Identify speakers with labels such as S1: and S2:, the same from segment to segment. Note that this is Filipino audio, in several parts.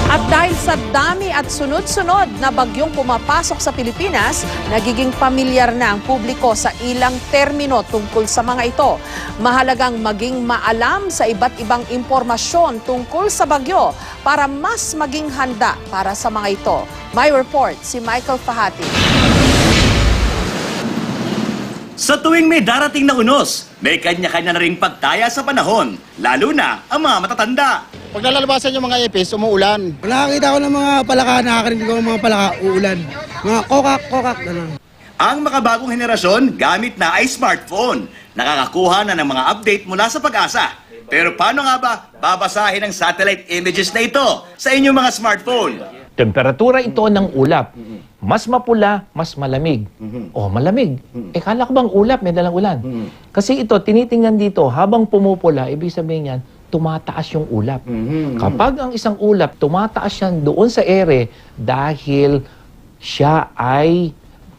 S1: At dahil sa dami at sunod-sunod na bagyong pumapasok sa Pilipinas, nagiging pamilyar na ang publiko sa ilang termino tungkol sa mga ito. Mahalagang maging maalam sa iba't ibang impormasyon tungkol sa bagyo para mas maging handa para sa mga ito. May report si Michael Fahati.
S2: Sa tuwing may darating na unos, may kanya-kanya na ring pagtaya sa panahon, lalo na ang mga matatanda.
S3: Pag nalalabasan yung mga ipis, umuulan.
S4: Nakakita ko ng mga palaka, nakakarinig ko ng mga palaka, uulan. Mga kokak, gano'n.
S2: Ang makabagong henerasyon gamit na ay smartphone. Nakakakuha na ng mga update mula sa Pag-asa. Pero paano nga ba babasahin ang satellite images na ito sa inyong mga smartphone?
S5: Temperatura ito ng ulap. Mas mapula, mas malamig. O, malamig. Kala ko bang ulap, may dalang ulan. Kasi ito, tinitingnan dito, habang pumupula, ibig sabihin yan, tumataas yung ulap. Kapag ang isang ulap, tumataas yan doon sa ere dahil siya ay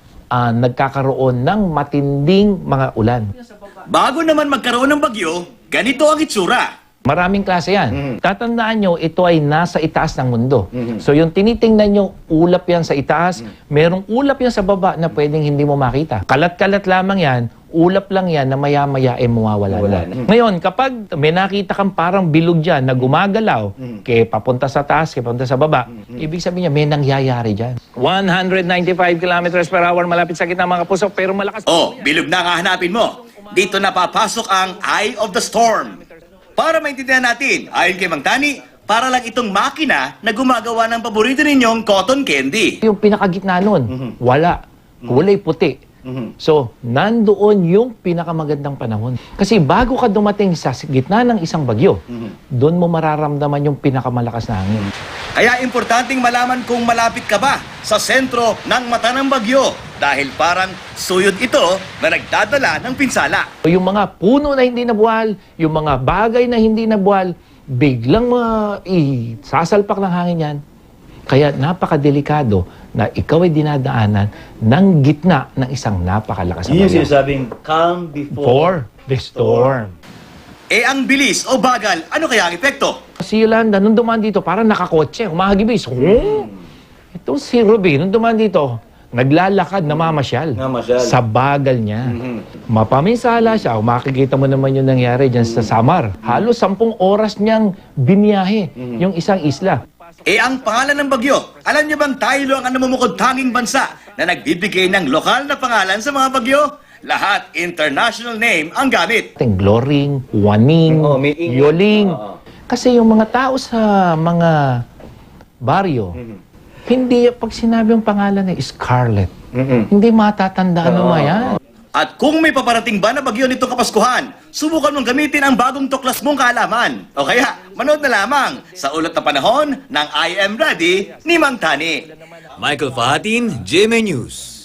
S5: nagkakaroon ng matinding mga ulan.
S2: Bago naman magkaroon ng bagyo, ganito ang itsura.
S5: Maraming klase yan. Tatandaan nyo, ito ay nasa itaas ng mundo. So yung tinitingnan nyo, ulap yan sa itaas, merong ulap yan sa baba na pwedeng hindi mo makita. Kalat-kalat lamang yan, ulap lang yan na maya-maya ay mawawala na. Ngayon, kapag may nakita kang parang bilog dyan na gumagalaw, kaya papunta sa taas, kaya papunta sa baba, ibig sabihin niya, may nangyayari dyan. 195 kilometers per hour malapit sa gitna mga kapuso, pero malakas.
S2: Oh, bilog na ang hahanapin mo. Dito napapasok ang Eye of the Storm. Para maintindihan natin, ayon kay Mang Tani, para lang itong makina na gumagawa ng paborito ninyong cotton candy.
S5: Yung pinakagitna nun, wala. Kulay puti. So, nandoon yung pinakamagandang panahon. Kasi bago ka dumating sa gitna ng isang bagyo, doon mo mararamdaman yung pinakamalakas na hangin.
S2: Kaya importanteng malaman kung malapit ka ba sa sentro ng mata ng bagyo dahil parang suyod ito na nagdadala ng pinsala.
S5: Yung mga puno na hindi nabuwal, yung mga bagay na hindi nabuwal, biglang sasalpak ng hangin yan. Kaya napakadelikado na ikaw ay dinadaanan ng gitna ng isang napakalakas na bagyo.
S6: Yun yung sinasabing calm before
S5: For the storm.
S2: Eh ang bilis o bagal, ano kaya ang epekto?
S5: Si Yolanda, nung dumaan dito, parang nakakotse, umahagibis. Ito si Ruby, nung dumaan dito, naglalakad, namamasyal. Sa bagal niya. Mapaminsala siya, makikita mo naman yung nangyari dyan sa Samar. Halos 10 oras niyang biniyahe yung isang isla.
S2: Eh ang pangalan ng bagyo, alam niyo bang tayo ang namumukod tanging bansa na nagbibigay ng lokal na pangalan sa mga bagyo? Lahat international name ang gamit.
S5: Gloring, Waning,
S6: may ing-
S5: Yoling. Kasi yung mga tao sa mga baryo, hindi, pag sinabi yung pangalan ni Scarlett, hindi matatandaan mo yan.
S2: At kung may paparating ba na bagyo nitong Kapaskuhan, subukan mong gamitin ang bagong tuklas mong kaalaman. O kaya, manood na lamang sa Ulat na Panahon ng I Am Ready ni Mang Tani.
S7: Michael Fahatin, GMA News.